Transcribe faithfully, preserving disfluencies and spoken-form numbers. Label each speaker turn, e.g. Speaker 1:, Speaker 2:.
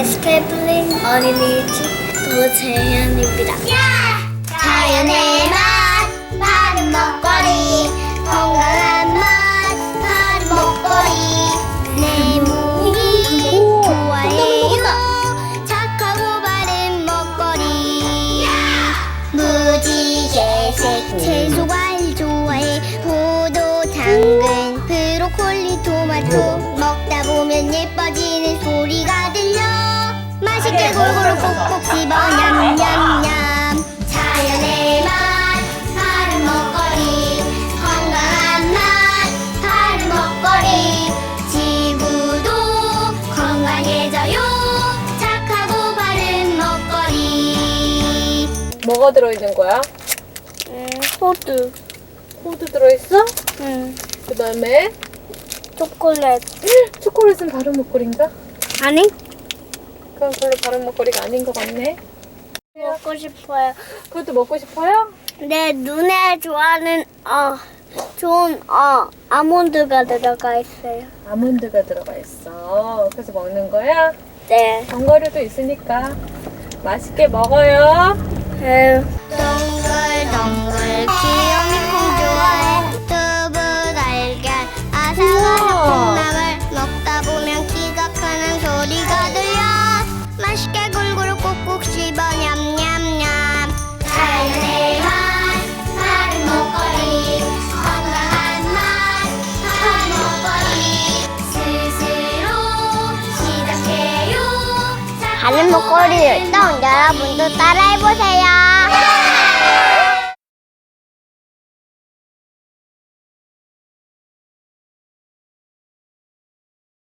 Speaker 1: 스케이플링 어린이집 도재현입니다. 자연의 맛, 바른 먹거리, 건강한 맛, 바른 먹거리. 내 몸이 좋아해요. 착하고 바른 먹거리. 무지개색 채소 과일 좋아해. 포도, 당근, 브로콜리, 토마토. 먹다 보면 예뻐지는 소리가 들려. 맛있게 골고루 꼭꼭 씹어 냠냠냠. 자연의 맛, 바른 먹거리, 건강한 맛, 바른 먹거리. 지구도 건강해져요. 착하고 바른 먹거리.
Speaker 2: 뭐가 들어있는 거야?
Speaker 1: 음, 호두.
Speaker 2: 호두 들어있어?
Speaker 1: 음,
Speaker 2: 그 다음에
Speaker 1: 초콜릿.
Speaker 2: 초콜릿은 바른 먹거리인가?
Speaker 1: 아니?
Speaker 2: 그건 별로 바른 먹거리가 아닌 것 같네.
Speaker 1: 먹고 싶어요.
Speaker 2: 그것도 먹고 싶어요?
Speaker 1: 내 눈에 좋아하는 어 좋은 어 아몬드가 들어가 있어요.
Speaker 2: 아몬드가 들어가 있어. 그래서 먹는 거야?
Speaker 1: 네.
Speaker 2: 견과류도 있으니까 맛있게 먹어요.
Speaker 1: 네. 동글동글 귀요미 콩 좋아해. 두부 달걀 아삭아삭 콩나물 먹다 보면 키가 크는 소리가 들려. 맛있게 골고루 꼭꼭 씹어 냠냠냠. 자연의 맛, 바른 먹거리, 건강한 맛, 바른 먹거리. 스스로 시작해요. 바른 먹거리를 또 여러분도 따라해보세요.